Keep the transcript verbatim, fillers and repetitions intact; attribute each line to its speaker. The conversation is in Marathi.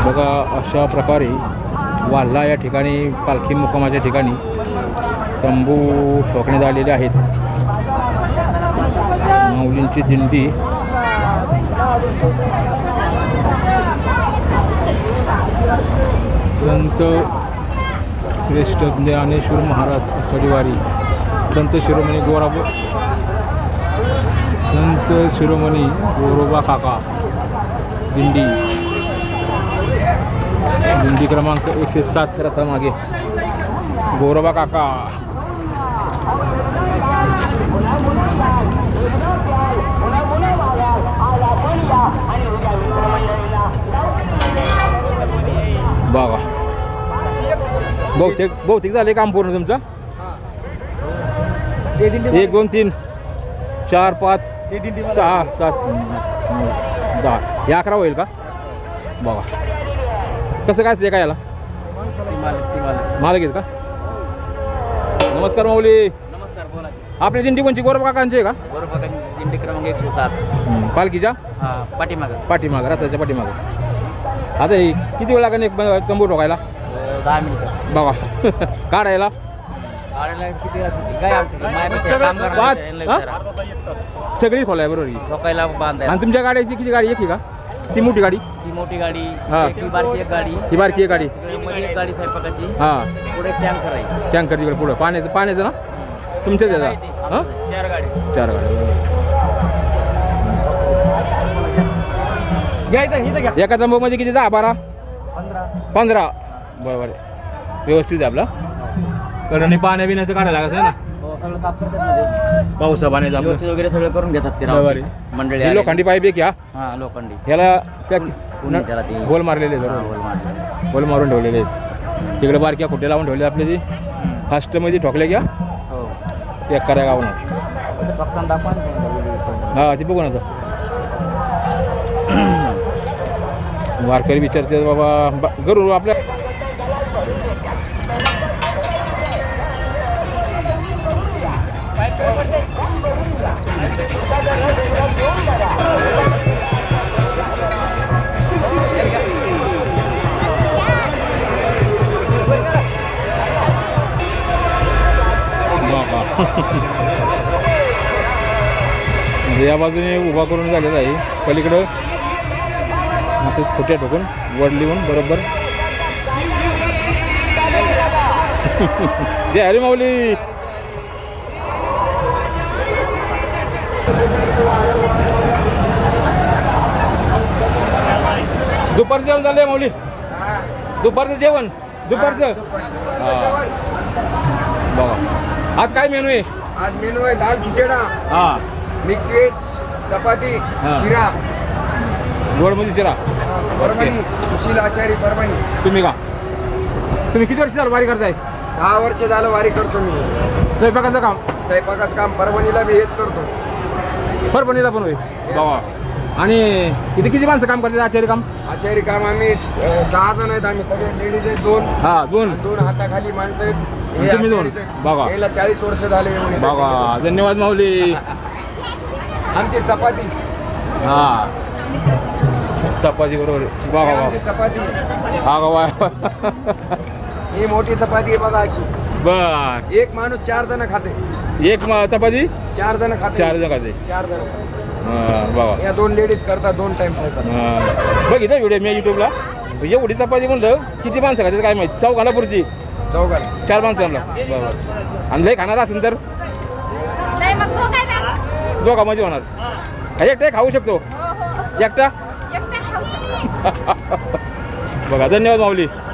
Speaker 1: बघा अशा प्रकारे वाल्हा या ठिकाणी पालखी मुक्कामाच्या ठिकाणी तंबू ठोकण्यात आलेले आहेत. माऊलींची दिंडी संत श्रेष्ठ ज्ञानेश्वर महाराज परिवारी संत शिरोमणी गोराबो संत शिरोमणी गोरोबा काका दिंडी दिंडी क्रमांक एकशे सात रथामागे गोरोबा काका. बघा बहुतेक बहुतेक झाले काम पूर्ण तुमचं. एक दोन तीन चार पाच सहा सात दहा हे अकरा होईल का. बघा कसं काय असते का याला मालक आहेत का. नमस्कार माऊली.
Speaker 2: नमस्कार बोला.
Speaker 1: आपली दिंडी कोणची गोरोबा काकांची आहे का.
Speaker 2: गोरोबा काका दिंडी क्रमांक एकशे सात
Speaker 1: पालखीच्या
Speaker 2: पाठीमागं
Speaker 1: पाठीमागं रथाच्या पाठीमागं. आता हे किती वेळ लागेल एक तंबू ठोकायला.
Speaker 2: दहा मिनिटं
Speaker 1: बघा काढायला
Speaker 2: काढायला किती काय आमच्या काम
Speaker 1: पाच
Speaker 2: करणार
Speaker 1: सगळी खोलाय बरोबर की.
Speaker 2: ठोकायला बांधायला.
Speaker 1: आणि तुमच्या गाड्याची किती गाडी एक आहे का ती मोठी गाडी.
Speaker 2: ती मोठी गाडी
Speaker 1: हा.
Speaker 2: ती बारकी एक गाडी
Speaker 1: ही बारकी एक गाडी.
Speaker 2: मध्ये एक गाडी स्वयंपाकाची
Speaker 1: हां
Speaker 2: पुढे टँकर आहे.
Speaker 1: टँकर तिकडे पुढं पाण्याचं पाण्याचं ना तुमच्याच याचा. हां
Speaker 2: चार गाडी
Speaker 1: चार गाड्या एका तंबूमध्ये किती दहा बारा
Speaker 2: पंधरा
Speaker 1: पंधरा बरोबर आहे. व्यवस्थित आहे आपला कारण पाण्या बिण्याचं काढायला लागत ना पावसा पाण्याचं आपलं
Speaker 2: व्यवस्थित वगैरे सगळं करून घेतात ते
Speaker 1: बरोबर
Speaker 2: राव मंडळी
Speaker 1: आहे.
Speaker 2: आलेली.
Speaker 1: लोखंडी पाईप एक या
Speaker 2: हा लोखंडी
Speaker 1: ह्याला त्या
Speaker 2: पुणे त्याला ती
Speaker 1: होल मारलेले आहेत
Speaker 2: हा,
Speaker 1: बरोबर.
Speaker 2: होल मारलेली.
Speaker 1: होल मारून ठेवलेले आहेत. तिकडे बारक्या खोटे लावून ठेवले आपले ती फास्टमध्ये ठोकले घ्या
Speaker 2: हो
Speaker 1: एक करा गावून.
Speaker 2: फक्त दाखवा ना.
Speaker 1: हा ती बघू ना आता वारकरी विचारते बाबा करू आपल्या या बाजूने उभा करून झालेला आहे. पलीकडं असंच खोट्या ठोकून वड लिहून बरोबर जय हरी माऊली. दुपारचं जेवण झालंय माऊली. दुपारचं जेवण दुपारचं बघा आज काय मेनू आहे.
Speaker 3: आज मेनू आहे दाल खिचडा,
Speaker 1: हा
Speaker 3: मिक्स व्हेज, चपाती,
Speaker 1: हा.
Speaker 3: शिरा.
Speaker 1: गोडमध्ये शिरा.
Speaker 3: परभणी सुशील आचारी परभणी.
Speaker 1: तुम्ही का तुम्ही किती वर्ष झालं वारी करताय.
Speaker 3: दहा वर्ष झालं वारी करतो मी.
Speaker 1: स्वयंपाकाचं काम
Speaker 3: स्वयंपाकाचं काम परभणीला मी हेच करतो.
Speaker 1: परभणीला पण होय बाबा. आणि किती किती माणसं काम करतात आचार्य काम.
Speaker 3: आचारी काम आम्ही अ, सहा जण आहेत. आम्ही सगळे लेडीज आहेत दोन.
Speaker 1: हा दोन
Speaker 3: दोन हाताखाली माणसं आहेत. हे
Speaker 1: तुम्ही दोन.
Speaker 3: आचारीच आहेत.
Speaker 1: बघा.
Speaker 3: याला चाळीस वर्ष झाले येऊन इथे.
Speaker 1: बाबा धन्यवाद माऊली.
Speaker 3: आमची चपाती
Speaker 1: हा चपाती बरोबर
Speaker 3: हे
Speaker 1: बाबा
Speaker 3: आमची चपाती.
Speaker 1: हा वा
Speaker 3: ही मोठी चपाती आहे बघा अशी.
Speaker 1: बर
Speaker 3: एक माणूस चार जण खाते.
Speaker 1: एक म- चपाती
Speaker 3: चार जण खाते.
Speaker 1: चार जण खाते.
Speaker 3: चार जण
Speaker 1: हा, बाबा
Speaker 3: या दोन लेडीज करतात दोन टाइम स्वयंपाक.
Speaker 1: हा. बघितलं व्हिडिओ मी युट्यूबला एवढी चपाती म्हणलं किती माणसं खातात काय माहिती. चौघाला पुरती
Speaker 3: चौघाला
Speaker 1: चार माणसांना बरोबर. आणि लय खाणार असेल तर
Speaker 4: नाही मग तो काय काय
Speaker 1: दोघांमध्ये होणार. एकटा खाऊ शकतो
Speaker 4: हो हो
Speaker 1: एकटा
Speaker 4: एकटा खाऊ शकतो.
Speaker 1: बघा धन्यवाद माऊली.